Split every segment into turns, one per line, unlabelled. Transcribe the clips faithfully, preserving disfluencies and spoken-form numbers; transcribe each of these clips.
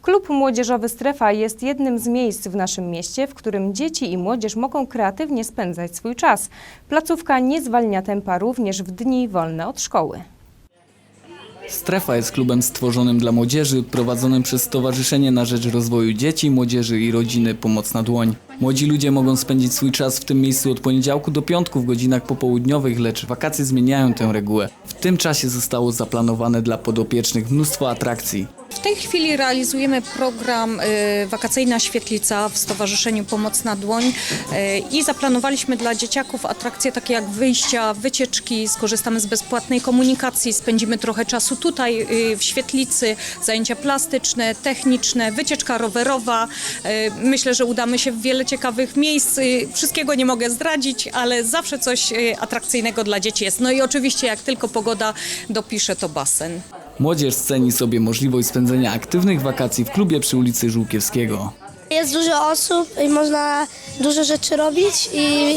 Klub Młodzieżowy Strefa jest jednym z miejsc w naszym mieście, w którym dzieci i młodzież mogą kreatywnie spędzać swój czas. Placówka nie zwalnia tempa również w dni wolne od szkoły.
Strefa jest klubem stworzonym dla młodzieży, prowadzonym przez Stowarzyszenie na Rzecz Rozwoju Dzieci, Młodzieży i Rodziny Pomoc na Dłoń. Młodzi ludzie mogą spędzić swój czas w tym miejscu od poniedziałku do piątku w godzinach popołudniowych, lecz wakacje zmieniają tę regułę. W tym czasie zostało zaplanowane dla podopiecznych mnóstwo atrakcji.
W tej chwili realizujemy program y, Wakacyjna Świetlica w Stowarzyszeniu Pomoc na Dłoń y, i zaplanowaliśmy dla dzieciaków atrakcje takie jak wyjścia, wycieczki, skorzystamy z bezpłatnej komunikacji, spędzimy trochę czasu tutaj y, w świetlicy, zajęcia plastyczne, techniczne, wycieczka rowerowa. Y, myślę, że udamy się w wiele ciekawych miejsc. Y, wszystkiego nie mogę zdradzić, ale zawsze coś y, atrakcyjnego dla dzieci jest. No i oczywiście jak tylko pogoda dopisze, to basen.
Młodzież ceni sobie możliwość spędzenia aktywnych wakacji w klubie przy ulicy Żółkiewskiego.
Jest dużo osób i można dużo rzeczy robić i,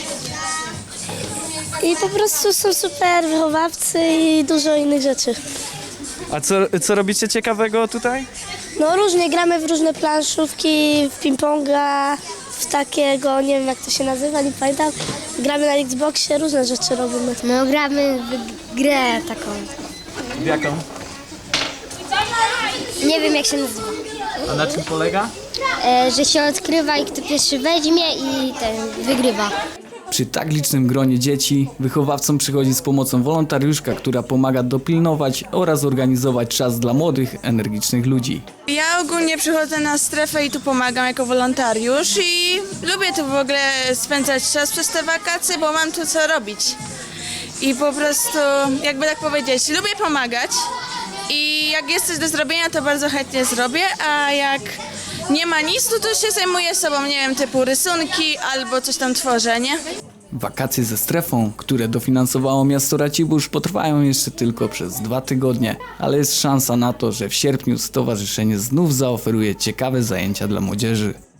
i po prostu są super wychowawcy i dużo innych rzeczy.
A co, co robicie ciekawego tutaj?
No różnie, gramy w różne planszówki, w ping-ponga, w takiego, nie wiem jak to się nazywa, nie pamiętam. Gramy na Xboxie, różne rzeczy robimy.
No gramy w grę taką.
W jaką?
Nie wiem jak się nazywa.
A na czym polega?
E, że się odkrywa i kto pierwszy weźmie i ten wygrywa.
Przy tak licznym gronie dzieci wychowawcom przychodzi z pomocą wolontariuszka, która pomaga dopilnować oraz organizować czas dla młodych, energicznych ludzi.
Ja ogólnie przychodzę na strefę i tu pomagam jako wolontariusz i lubię tu w ogóle spędzać czas przez te wakacje, bo mam tu co robić. I po prostu, jakby tak powiedzieć, lubię pomagać i jak jest coś do zrobienia, to bardzo chętnie zrobię, a jak nie ma nic, to, to się zajmuję sobą, nie wiem, typu rysunki albo coś tam tworzę, nie?
Wakacje ze strefą, które dofinansowało miasto Racibórz, potrwają jeszcze tylko przez dwa tygodnie, ale jest szansa na to, że w sierpniu stowarzyszenie znów zaoferuje ciekawe zajęcia dla młodzieży.